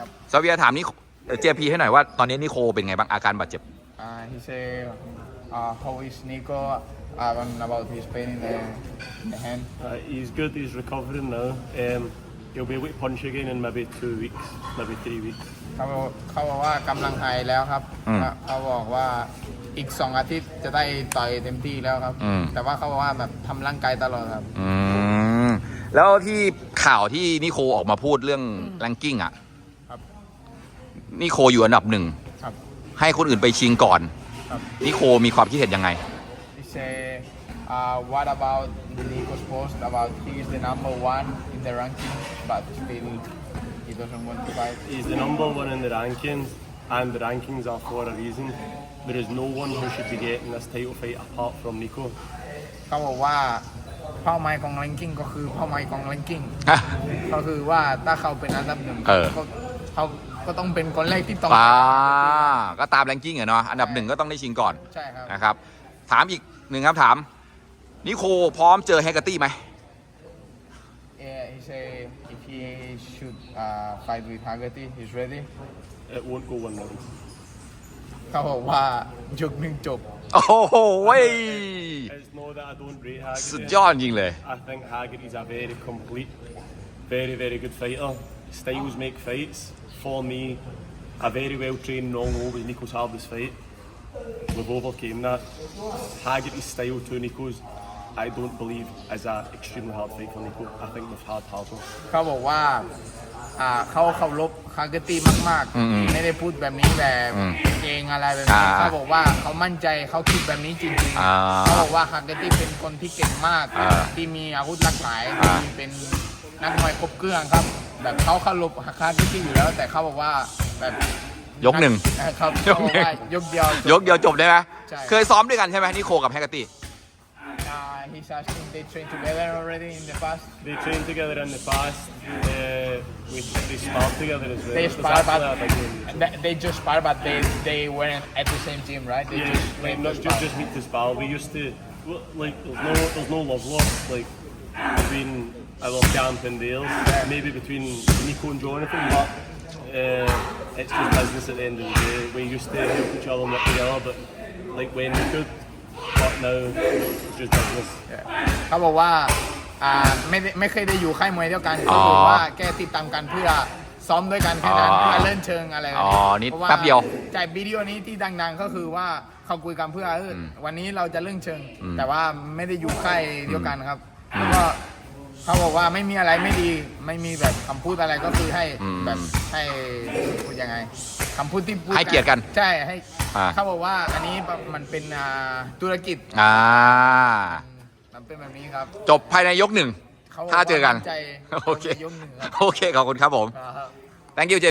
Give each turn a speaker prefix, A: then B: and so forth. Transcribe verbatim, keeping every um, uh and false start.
A: ครับ
B: ซาเวียถามนี่เจพีให้หน่อยว่าตอนนี้นิโคเป็นไงบ้างอาการบาดเจ็บ
A: uh, he say uh, how is Nico uh, about his pain in the, in the hand
C: Uh, he's good. He's recovering now. Um, he'll be able to punch again in maybe two weeks, maybe three weeks.
A: เขาบอกเขาบอกว่ากำลังหายแล้วครับ
B: อืม
A: เขาบอกว่าอีกสองอาทิตย์จะได้ต่อยเต็มที่แล้วครับ
B: อืม
A: แต่ว่าเขาบอกว่าแบบทำร่างกายตลอดครับ
B: อืมแล้วที่ข่าวที่นิโคออกมาพูดเรื่องแรงกิ้งอ่ะ
A: ครับ
B: นิโคอยู่อันดับหนึ่ง
A: ครับ
B: ให้คนอื่นไปชิงก่อน
A: ครับ
B: นิโคมีความคิดเห็นยังไง
A: he say uh, what about Nico's post about he is the number one in the ranking but still he doesn't want to fight
C: He's the number one in the rankings, and the rankings are for a reason. There is no one who should be getting this title fight apart from Nico.
A: เขาบอกว่าเป้าหมายของ ranking ก็คือเป้าหมายของ ranking
B: ฮะ
A: ก็คือว่าถ้าเขาเป็นอันดับหนึ่ง
B: เออ
A: ก็เขาก็ต้องเป็นคนแรกที่ต้อง
B: อ่าก็ตามแรงกิ้งอะเนาะอันดับหนึ่งก็ต้องได้ชิงก่อน
A: ใช่ครับ
B: นะครับถามอีกหนึ่งครับถามนิโคพร้อมเจอแฮกเกอร์ตี้ไหม
A: Yeah, he say if he should uh, fight with Haggerty he's ready
C: It won't go one round.
A: เขาบอกว่ายกหนึ่งจบ
B: โอ้โหเว้ย
C: It's not that I don't rate Haggerty.
B: สุดยอดจริงเลย
C: I think Haggerty's a very complete, very, very good fighter. Styles make fights. For me, a very well trained Nongo was Nico's hardest fight. We've overcame that. Haggerty's style to Nico's, I don't believe is an extremely hard fight for Nico. I think we've had harder.
A: เขาบอกว่าอ่าเขาเคารพฮาเกอร์ตี้มาก
B: อืม
A: ๆ ไม่ได้พูดแบบนี้แบบ
B: อืม
A: เองอะไรแบบนี้
B: อ่า
A: เขาบอกว่าเขามั่นใจเขาคิดแบบนี้จริง
B: อ่า
A: ๆเขาบอกว่าฮาเกอร์ตี้เป็นคนที่เก่งมาก
B: อ่า
A: ที่มีอาวุธหลากหลาย
B: อ่า
A: ที่เป็นนักมวยครบเครื่องครับ แบบเขาเคารพฮาเกอร์ตี้อยู่แล้ว แต่เขาบอกว่าแบบ
B: ยกหนึ่ง
A: เออเขา
B: ย
A: เขา
B: ก
A: บ
B: ห
A: อก
B: นึ่ง
A: ว่ายกเดียวย
B: กเดียวจบได้ไหม
A: ใช่
B: เคยซ้อมด้วยกันใช่ไหมนิโคกับแฮกเกอร์ตี้
A: Uh, he's asking they train together already in the past.
C: They trained together in the past. Uh, we, they sparred together as well.
A: They
C: It was
A: spar, but
C: actually a big one.
A: they, they just spar, but they they weren't at the same team, right? They
C: Yeah,
A: just
C: like
A: went
C: not
A: to
C: just
A: spar.
C: just meet to spar. We used to well, like there's no there's no love lost like between our camp and theirs. Maybe between Nico and Jonathan, but uh, it's just business at the end of the day. We used to help each other and work together, but like when we could, but now it's just business.
A: เขาบอกว่าอ่าไม่ได้ไม่เคยได้อยู่ค่ายมวยเดียวกัน
B: อ๋
A: ก็
B: อ
A: คือว่าแค่ติดตามกันเพื่อซ้อมด้วยกันแค่นั้น
B: อ๋อ
A: เพื่อเล่นเชิงอะไรแบบ
B: อ๋อนี่
A: พราะา
B: แป๊บเดียว
A: จากวิดีโอนี้ที่ดังๆก็คือว่าเขาคุยกันเพื่อเอออ
B: ม
A: วันนี้เราจะเล่นเชิง
B: อืม
A: แต่ว่าไม่ได้อยู่ค่ายเดียวกันครับแล้วก็เขาบอกว่าไม่มีอะไรไม่ดีไม่มีแบบคำพูดอะไรก็คือให้
B: อืม
A: แบบให้พูดยังไงคำพูดที่พูด
B: ให้เกียรติกัน
A: ใช่ให้
B: อ่า
A: เขาบอกว่าอันนี้มันเป็นอ่าธุรกิจ
B: อ่า
A: มันเป็นแบบนี้ครับ
B: จบภายในยกหนึ่ง
A: เขาบ
B: ถ้าเจอกัน
A: มั่ใจ
B: โอเค
A: ยกหนึ่งครับ
B: โอเคขอบคุณครับผม
A: ครับ
B: thank you เจ